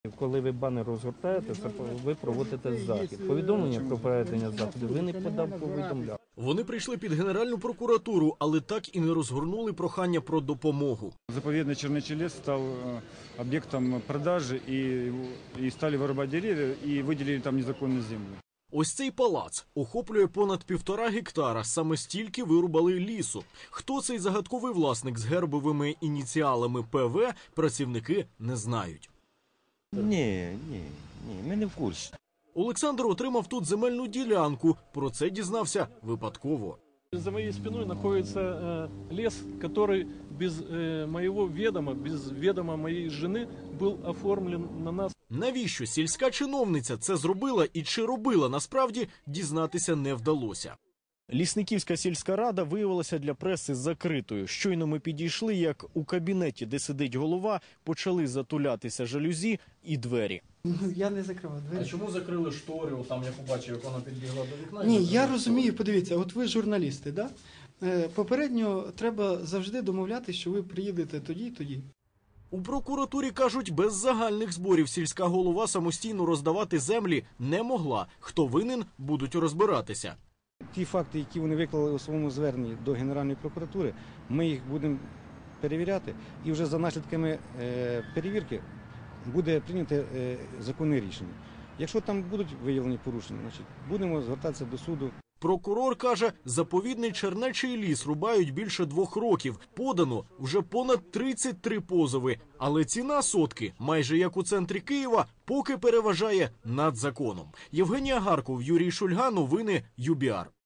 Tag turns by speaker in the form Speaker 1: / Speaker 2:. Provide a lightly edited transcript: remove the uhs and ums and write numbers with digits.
Speaker 1: Коли ви банер розгортаєте, це ви проводите захід. Повідомлення про проведення заходу ви не повідомляли.
Speaker 2: Вони прийшли під Генеральну прокуратуру, але так і не розгорнули прохання про допомогу.
Speaker 3: Заповедный Чернечий лес стал объектом продажи и стали вырубать деревья и выделили там незаконную землю.
Speaker 2: Ось цей палац охоплює понад 1,5 гектара, саме стільки вирубали лісу. Хто цей загадковий власник з гербовими ініціалами ПВ, працівники не знають.
Speaker 4: Ні, ми не в курсі.
Speaker 2: Олександр отримав тут земельну ділянку, про це дізнався випадково.
Speaker 5: За моей спиной находится лес, который без моего ведома, без ведома моей жены был оформлен на нас.
Speaker 2: Навіщо сільська чиновниця це зробила і чи робила, насправді дізнатися не вдалося. Лісниківська сільська рада виявилася для преси закритою. Щойно ми підійшли, як у кабінеті, де сидить голова, почали затулятися жалюзі і двері.
Speaker 6: Я не закривав двері.
Speaker 2: А чому закрили штори, там я побачив, як вона підбігла до вікна?
Speaker 6: Ні, я розумію, подивіться, от ви журналісти, да? Попередньо треба завжди домовлятися, що ви приїдете тоді і тоді.
Speaker 2: У прокуратурі кажуть, без загальних зборів сільська голова самостійно роздавати землі не могла. Хто винен, будуть розбиратися.
Speaker 7: Ті факти, які вони виклали у своєму зверненні до Генеральної прокуратури, ми їх будемо перевіряти, і вже за наслідками перевірки буде прийнято законне рішення. Якщо там будуть виявлені порушення, значить будемо звертатися до суду.
Speaker 2: Прокурор каже, заповідний Чернечий ліс рубають більше 2 років. Подано вже понад 33 позови. Але ціна сотки, майже як у центрі Києва, поки переважає над законом. Євгенія Гарков, Юрій Шульга, новини ЮБІАР.